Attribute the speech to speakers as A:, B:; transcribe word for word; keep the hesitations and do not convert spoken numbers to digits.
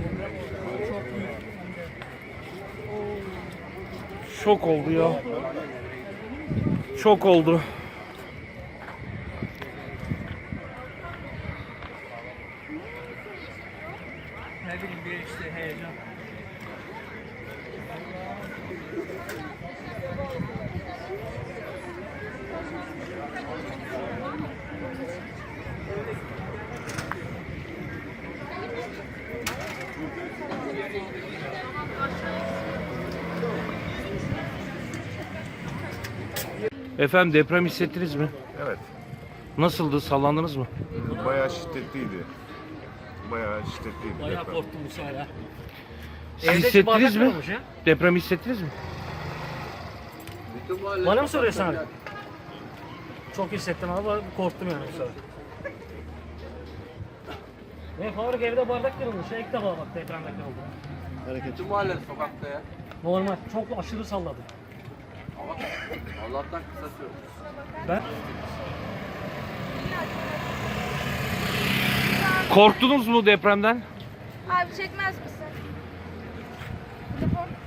A: Şok oldu ya. Şok oldu.
B: Ne bileyim bir işte heyecan.
A: Efendim deprem hissettiniz mi?
C: Evet.
A: Nasıldı? Sallandınız mı?
C: Bayağı şiddetliydi. Bayağı şiddetliydi.
B: Bayağı
C: deprem.
B: korktum bu sefer ya.
A: Siz
B: Evde
A: hissettiniz
B: bardak
A: mi?
B: kırılmış ya.
A: Deprem hissettiniz mi?
B: Bana mı soruyorsun abi? Çok hissettim abi, korktum yani bu sefer. Ne Faruk evde bardak kırılmış ya, ilk defa bak depremde kırıldı.
D: Bütün mahalle sokakta ya.
B: Normal, çok aşırı salladı.
D: Ama Allah'tan kısa sürdü.
B: Ben
A: Korktunuz mu depremden?
E: Abi çekmez misin? Telefon.